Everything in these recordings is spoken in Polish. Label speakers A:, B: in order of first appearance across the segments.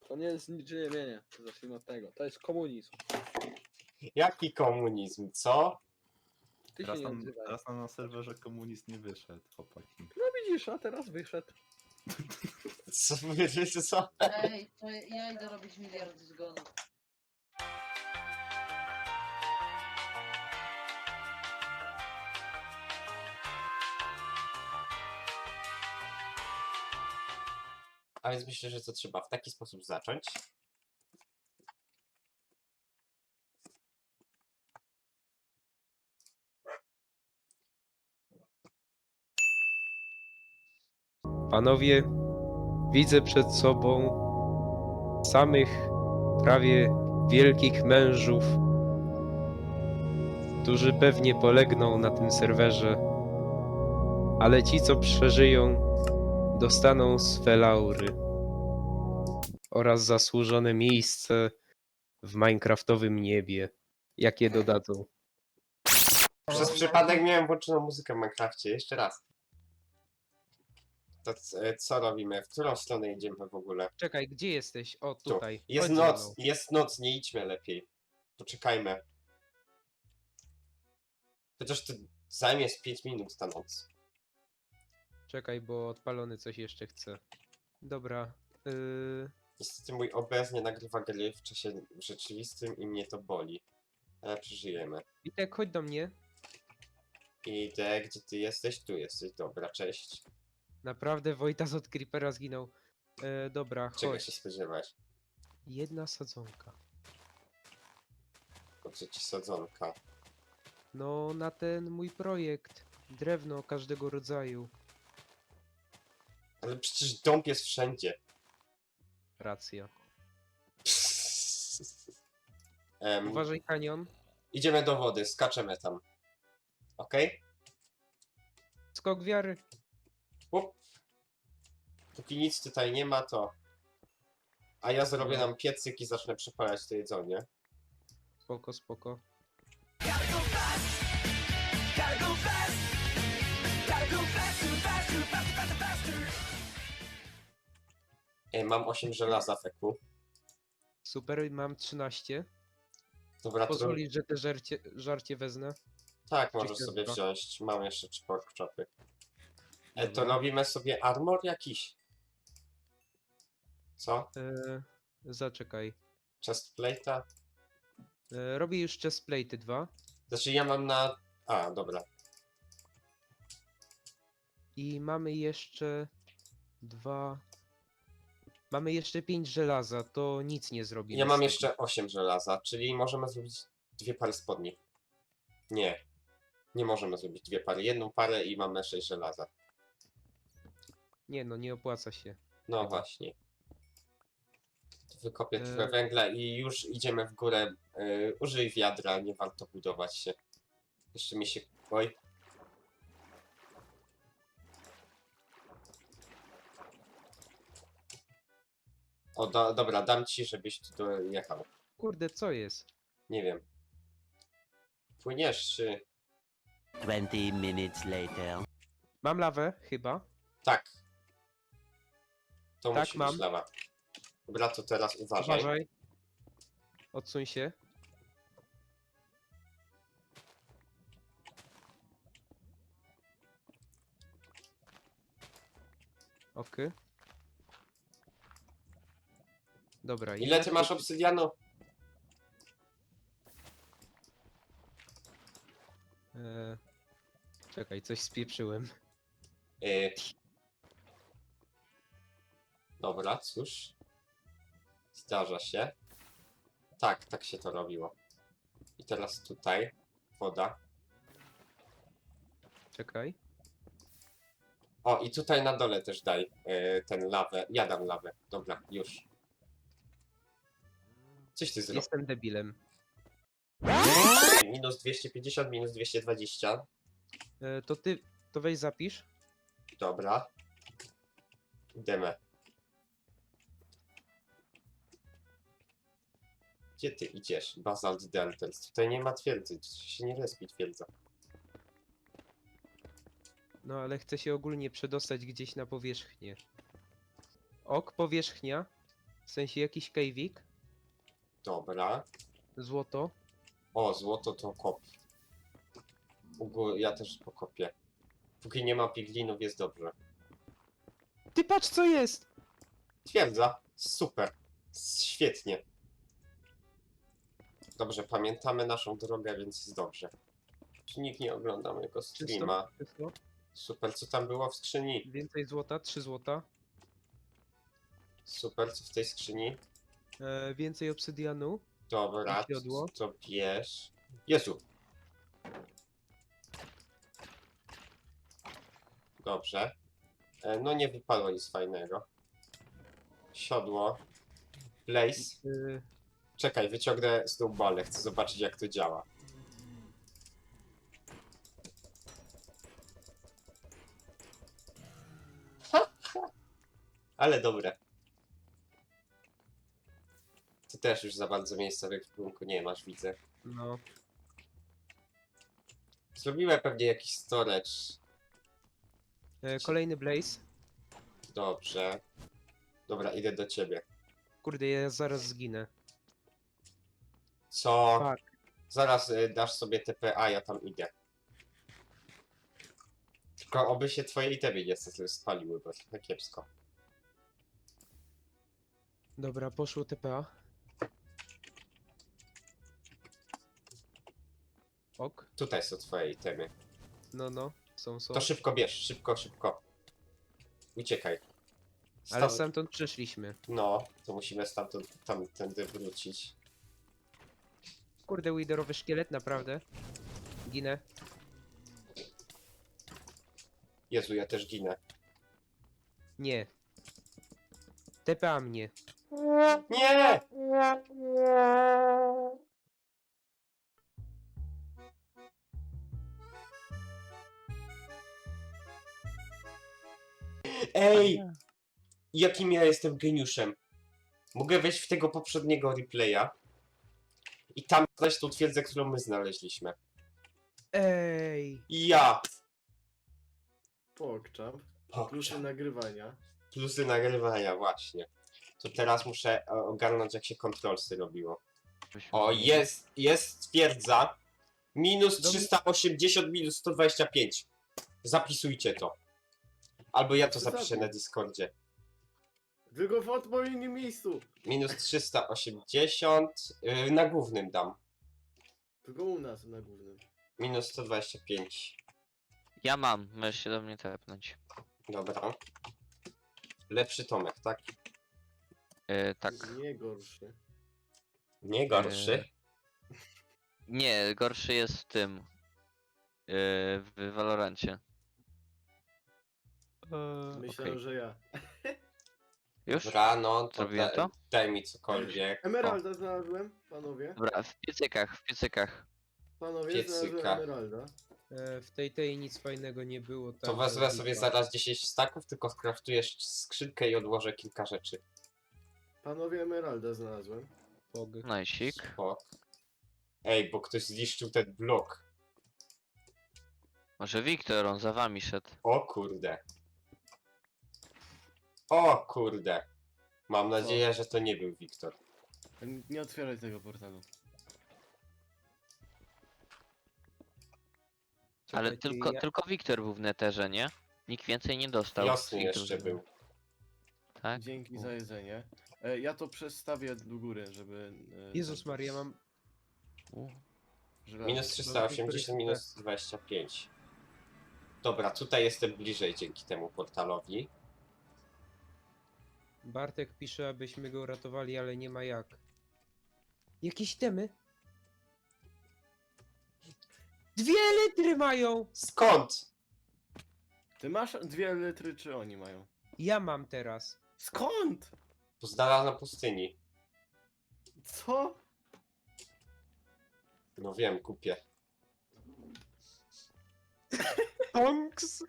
A: To nie jest ziemienie. Zacznijmy od tego. To jest komunizm.
B: Jaki komunizm, co?
A: Ty się nie odzywaj.
C: Teraz nam na serwerze komunizm nie wyszedł, chłopaki.
A: No widzisz, a teraz wyszedł.
B: Co wiecie co?
D: Ej, to ja idę robić miliard zgonów.
B: A więc myślę, że to trzeba w taki sposób zacząć.
E: Panowie, widzę przed sobą samych prawie wielkich mężów, którzy pewnie polegną na tym serwerze, ale ci, co przeżyją, dostaną swe laury oraz zasłużone miejsce w minecraftowym niebie, jakie dodadzą.
B: Przez przypadek miałem włączoną muzykę w Minecrafcie. Jeszcze raz. To co robimy? W którą stronę idziemy w ogóle?
E: Czekaj, gdzie jesteś? O,
B: Tu.
E: tutaj.
B: Jest
E: Chodź ze
B: noc,
E: mną.
B: jest noc, nie idźmy lepiej. Poczekajmy. Chociaż to zajmie z 5 minut ta noc.
E: Czekaj, bo odpalony coś jeszcze chce. Dobra.
B: Niestety mój OBS nie nagrywa gry w czasie rzeczywistym i mnie to boli. Ale przeżyjemy.
E: Witek, chodź do mnie.
B: Idę, gdzie ty jesteś? Tu jesteś. Dobra, cześć.
E: Naprawdę Wojtas od Creepera zginął. Dobra,
B: Czego
E: chodź.
B: się spodziewać?
E: Jedna sadzonka.
B: Po co ci sadzonka?
E: No, na ten mój projekt. Drewno każdego rodzaju.
B: Ale przecież dąb jest wszędzie.
E: Racja.
B: Em,
E: Uważaj, kanion.
B: idziemy do wody, skaczemy tam. Okej?
E: Skok wiary.
B: Up. Póki nic tutaj nie ma, to... A ja zrobię nam piecyk i zacznę przepalać to jedzenie.
E: Spoko, spoko.
B: Mam 8 żelaza, feku.
E: Super, mam 13.
B: Dobra, to...
E: Pozwolisz, że te żarcie wezmę.
B: Tak, możesz
E: Czy
B: sobie
E: ciastko?
B: wziąć. Mam jeszcze 3 pork chopy. To
E: Dobra.
B: robimy sobie armor jakiś. Co?
E: Zaczekaj.
B: Chestplate'a?
E: Robię już chestplate'y 2.
B: Znaczy ja mam na... A, dobra.
E: I mamy jeszcze 2. Mamy jeszcze 5 żelaza, to nic nie zrobimy.
B: Ja mam
E: z tego.
B: jeszcze 8 żelaza, czyli możemy zrobić 2 pary spodni. Nie. Nie możemy zrobić 2 pary. Jedną parę i mamy 6 żelaza.
E: Nie no, nie opłaca się.
B: No
E: Chyba.
B: właśnie. Wykopię
E: E.
B: trochę węgla i już idziemy w górę. Użyj wiadra, nie warto budować się. Jeszcze mi się... Oj. O, dobra, dam ci, żebyś tu dojechał.
E: Kurde, co jest?
B: Nie wiem. Płyniesz czy...
F: 20 minutes later.
E: Mam lawę, chyba.
B: Tak. To
E: Tak,
B: musi
E: mam.
B: być lawa. Dobra, to teraz uważaj.
E: Uważaj. Odsuń się. Okej. Dobra. i
B: Ile
E: ja
B: ty masz
E: tu-
B: obsydianu?
E: Czekaj, coś spieprzyłem.
B: Yy. Dobra, cóż. Zdarza się. Tak, tak się to robiło. I teraz tutaj woda.
E: Czekaj.
B: O, i tutaj na dole też daj ten lawę. Ja dam lawę. Dobra, już. Coś ty zrobił.
E: Jestem debilem.
B: Minus 250, minus 220.
E: To ty, to weź zapisz.
B: Dobra. Idziemy. Gdzie ty idziesz? Basalt Deltals. Tutaj nie ma twierdzy. Tu się nie respi twierdza.
E: No ale chcę się ogólnie przedostać gdzieś na powierzchnię. Ok, powierzchnia. W sensie jakiś kejwik,
B: Dobra.
E: złoto.
B: O, złoto to kop. Ja też pokopię. Póki nie ma piglinów, jest dobrze.
E: Ty patrz co jest!
B: Twierdza. Super. Świetnie. Dobrze, pamiętamy naszą drogę, więc jest dobrze. Czy nikt nie ogląda mojego streama?
E: Czysto.
B: Super, co tam było w skrzyni?
E: Więcej złota, 3 złota.
B: Super, co w tej skrzyni?
E: Więcej obsydianu.
B: Dobra,
E: I siodło.
B: to bierz. Jezu. Dobrze. No nie wypadło nic fajnego. Siodło. Blaze.
E: Yy,
B: Czekaj, wyciągnę snowballę, chcę zobaczyć jak to działa. Ale dobre. Ty też już za bardzo miejsca w ekwipunku nie masz, widzę.
E: no.
B: Zrobiłem pewnie jakiś storage.
E: Kolejny blaze.
B: Dobrze. Dobra, idę do ciebie.
E: Kurde, ja zaraz zginę.
B: Co?
E: Tak.
B: Zaraz dasz sobie TPA, ja tam idę. Tylko oby się twoje itemy niestety spaliły, bo trochę kiepsko.
E: Dobra, poszło TPA. Ok.
B: Tutaj są twoje itemy.
E: No. Są.
B: To szybko bierz, szybko. Uciekaj.
E: Ale
B: Stąd-
E: stamtąd przeszliśmy.
B: No, to musimy stamtąd tamtędy wrócić.
E: Kurde, widerowy szkielet, naprawdę. Ginę.
B: Jezu, ja też ginę.
E: Nie. TPA mnie.
B: Nie! Ej! Jakim ja jestem geniuszem. Mogę wejść w tego poprzedniego replaya i tam znaleźć tą twierdzę, którą my znaleźliśmy.
E: Ej!
B: Ja!
A: Pokczam.
B: Pokczam.
A: Plusy nagrywania.
B: Plusy nagrywania, właśnie. To teraz muszę ogarnąć, jak się kontrolsy robiło. O, jest twierdza. Minus 380, minus 125. Zapisujcie to. Albo ja to zapiszę na Discordzie.
A: Tylko w odpowiednim miejscu.
B: Minus 380. Na głównym dam.
A: Tylko u nas na głównym.
B: Minus 125.
G: Ja mam, możesz się do mnie tepnąć.
B: Dobra. Lepszy Tomek, tak?
G: Tak.
A: Nie gorszy.
B: Nie gorszy.
G: Nie, gorszy jest w tym. W Valorancie.
A: Myślałem,
G: okej.
A: że ja.
G: Już?
B: Dobra, no to,
G: Zrobiłem to?
B: daj mi cokolwiek.
A: Emeralda znalazłem, panowie.
G: Dobra, w piecykach.
A: Panowie,
B: Piecyka.
A: znalazłem emeralda.
E: W tej nic fajnego nie było.
B: To
E: tam
B: wezmę
E: była
B: sobie
E: lipa.
B: zaraz 10 staków, tylko skraftujesz skrzynkę i odłożę kilka rzeczy.
A: Panowie, emeralda znalazłem.
E: Pog.
G: Najsik.
B: Spok. Ej, bo ktoś zniszczył ten blok.
G: Może Wiktor, on za wami szedł.
B: O kurde. O kurde. Mam nadzieję, że to nie był Wiktor.
A: Nie otwieraj tego portalu.
G: Ale
E: Czekajcie,
G: tylko Wiktor był w neterze, nie? Nikt więcej nie dostał.
B: Jasny
G: z
B: jeszcze
G: drużyny.
B: był.
G: Tak?
A: Dzięki za jedzenie. Ja to przestawię do góry, żeby...
E: Jezus Maria, mam...
A: żelazo.
B: Minus 380, minus 25. Dobra, tutaj jestem bliżej dzięki temu portalowi.
E: Bartek pisze, abyśmy go uratowali, ale nie ma jak. Jakieś temy? 2 litry mają!
B: Skąd?
A: Ty masz 2 litry, czy oni mają?
E: Ja mam teraz.
A: Skąd?
B: To znalazłem na pustyni.
A: Co?
B: No wiem, kupię.
E: Tonks!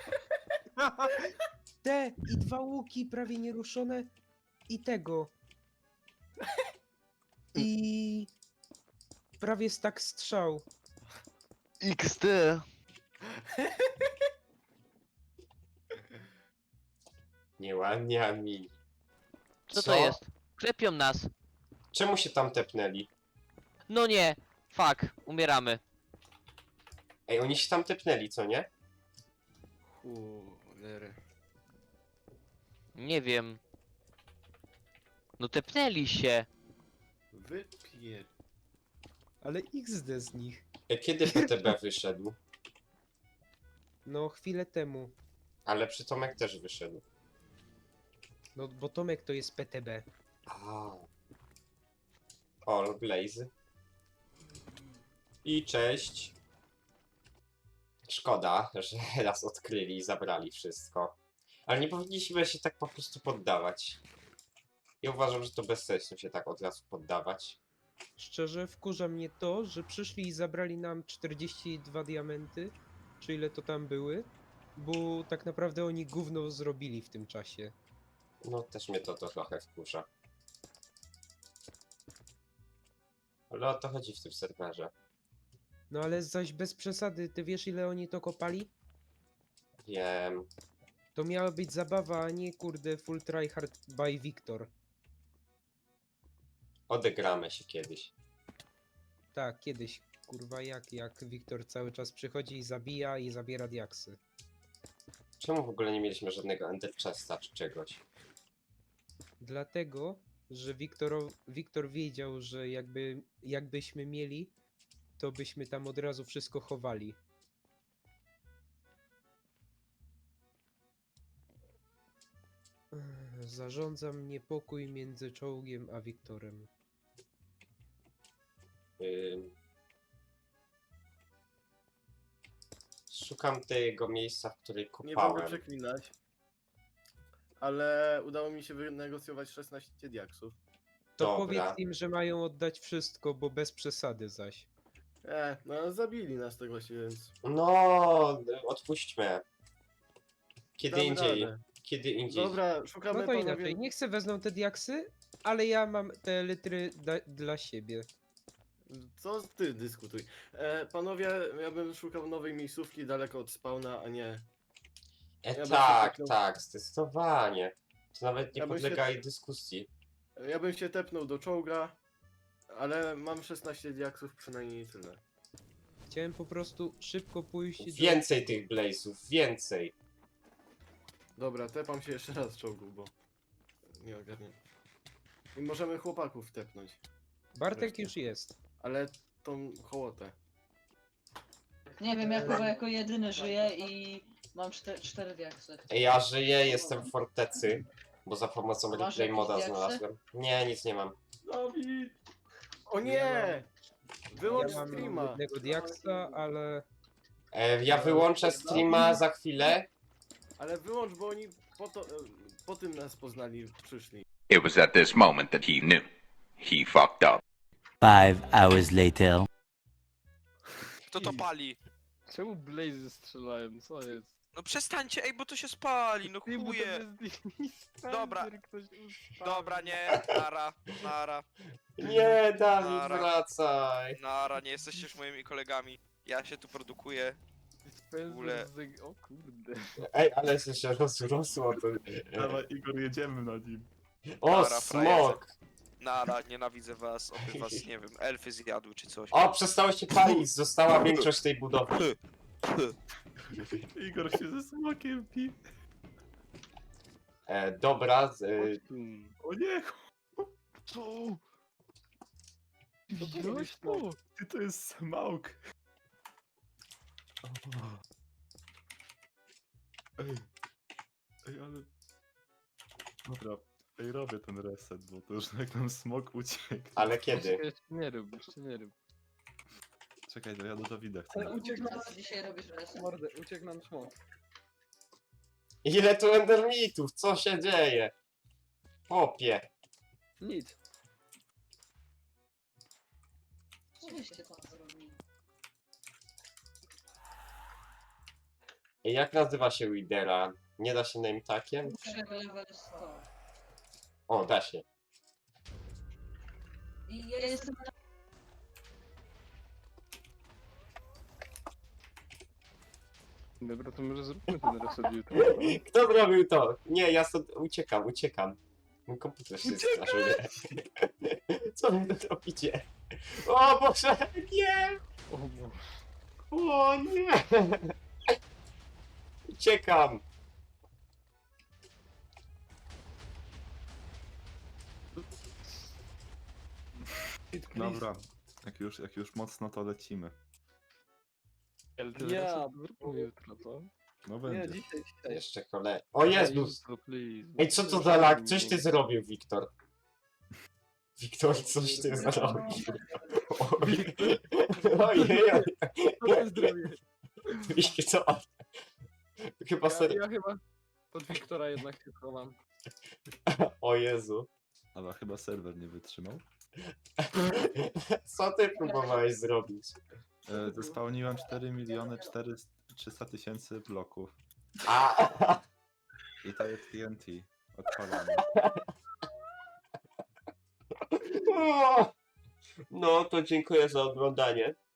E: Te i 2 łuki prawie nieruszone i tego. I prawie stak strzał.
G: XD!
B: Nie łamia mi.
G: Co to jest? Klepią nas.
B: Czemu się tam tepnęli?
G: No nie. Fuck. Umieramy.
B: Ej, oni się tam tepnęli, co nie?
A: Cholery.
G: Nie wiem. No tepnęli się.
A: Wypier...
E: Ale XD z nich.
B: Kiedy PTB wyszedł?
E: No chwilę temu.
B: Ale przytomek też wyszedł.
E: No bo Tomek to jest PTB.
B: A. All Blaze. I cześć. Szkoda, że nas odkryli i zabrali wszystko. Ale nie powinniśmy się tak po prostu poddawać. Ja uważam, że to bez sensu się tak od razu poddawać.
E: Szczerze wkurza mnie to, że przyszli i zabrali nam 42 diamenty, czy ile to tam były, bo tak naprawdę oni gówno zrobili w tym czasie.
B: No też mnie to trochę wkurza. Ale o to chodzi w tym serwerze.
E: No ale zaś bez przesady, ty wiesz ile oni to kopali?
B: Wiem.
E: To miała być zabawa, a nie kurde full tryhard by Victor.
B: Odegramy się kiedyś.
E: Tak, kiedyś, kurwa jak Victor cały czas przychodzi i zabija i zabiera diaksy.
B: Czemu w ogóle nie mieliśmy żadnego Ender Chesta czy czegoś?
E: Dlatego, że Wiktor wiedział, że jakbyśmy mieli, to byśmy tam od razu wszystko chowali. Zarządzam niepokój między czołgiem a Wiktorem.
B: Szukam tego miejsca, w którym
A: Nie będę
B: kopałem.
A: przeklinać. Ale udało mi się wynegocjować 16 diaksów.
E: To
B: Dobra.
E: powiedz im, że mają oddać wszystko, bo bez przesady zaś.
A: No zabili nas tak właśnie, więc...
B: No, odpuśćmy. Kiedy
A: damy
B: indziej.
A: radę.
B: Kiedy indziej.
A: Dobra, szukamy
E: No to
A: panowie...
E: inaczej, niech se wezmą te diaksy, ale ja mam te litry dla siebie.
A: Co ty dyskutuj? Panowie, ja bym szukał nowej miejscówki daleko od spawna, a nie... ja bym się
B: Tak,
A: tepnął.
B: tak, zdecydowanie. To nawet nie
A: Ja bym się-
B: podlega jej dyskusji.
A: Ja bym się tepnął do czołga, ale mam 16 diaksów przynajmniej tyle.
E: Chciałem po prostu szybko pójść do...
B: Więcej tych blazów, więcej.
A: Dobra, tepam się jeszcze raz czołgu, bo... nie ogarnię. I możemy chłopaków tepnąć,
E: Bartek
A: Wreszcie.
E: już jest.
A: ale tą hołotę.
D: Nie wiem, ja chyba jako jedyny żyję i mam 4 diaksy.
B: Ja żyję, jestem w fortecy, bo za pomocą
D: Masz
B: replay
D: jakieś
B: moda
D: diaksy?
B: znalazłem. Nie, nic nie mam.
A: Dawid! O nie! Wyłącz
E: Ja mam
A: streama!
E: jednego diaksa, ale...
B: Ja wyłączę streama za chwilę.
A: Ale wyłącz, bo oni po tym nas poznali, przyszli.
H: It was at this moment that he knew. He fucked up.
F: 5 hours later.
I: Kto to pali?
J: Czemu Blaze strzelają? Co jest?
I: No przestańcie, ej, bo to się spali, no
J: Ty, bo to
I: chuje.
J: jest dispenser,
I: Dobra.
J: ktoś ustawił.
I: Dobra, nie,
B: Nie, Dawid,
I: Nara.
B: wracaj.
I: nie jesteście już moimi kolegami. Ja się tu produkuję.
J: Dispenser
I: ogóle-
J: O kurde.
B: Ej, ale się rozrosło to.
C: Dawaj, Igor, jedziemy na nim.
B: O,
I: Nara,
B: smok!
I: Nienawidzę was, oby was, nie wiem, elfy zjadły czy coś.
B: O, przestało się palić, została większość tej budowy.
C: Igor się ze smokiem pi.
B: Dobra,
C: O nie!
J: Co?
C: Co to
J: Widziałeś
C: jest
J: to?
C: Ty, to jest smoke. Ej. Ej, ale... Dobra, ej, robię ten reset, bo to już jak nam smok uciekł.
B: ale kiedy?
J: Jeszcze nie rób, jeszcze nie rób.
C: Czekaj, to ja do Dawida chcę.
D: Ale uciekł nas dzisiaj robisz reset.
J: Mordę, uciekł nam smok.
B: Ile tu endermitów? Co się dzieje? Popie.
J: Nic.
D: Co byście tam zrobili?
B: Jak nazywa się Widera? Nie da się name takiem?
D: Muszę level 100.
B: O, da się.
D: I ja jestem na...
J: Dobra, to może zróbmy ten reset jutro.
B: Kto zrobił to? Nie, ja stąd uciekam. Mój komputer się straszuje. Co wy tu robicie? O Boże, nie!
J: O Boże.
B: O nie! Uciekam!
C: Dobra, jak już mocno to lecimy.
J: Ten reset zróbmy jutro, co?
C: No
J: Nie,
C: będzie.
J: dzisiaj.
B: Jeszcze kolej. O Jezus!
J: Jutro, please.
B: Ej, co to za lag? Coś ty zrobił, Wiktor. Wiktor, coś ty zrobił. Ojej, ojej. Co? Chyba serio.
J: Ja chyba pod Wiktora jednak się chowam.
B: O Jezu.
C: Ale chyba serwer nie wytrzymał.
B: Co ty próbowałeś zrobić?
C: Zespełniłem 4 miliony 300 tysięcy bloków.
B: A,
C: I to jest TNT. Odpalamy.
B: no to dziękuję za oglądanie.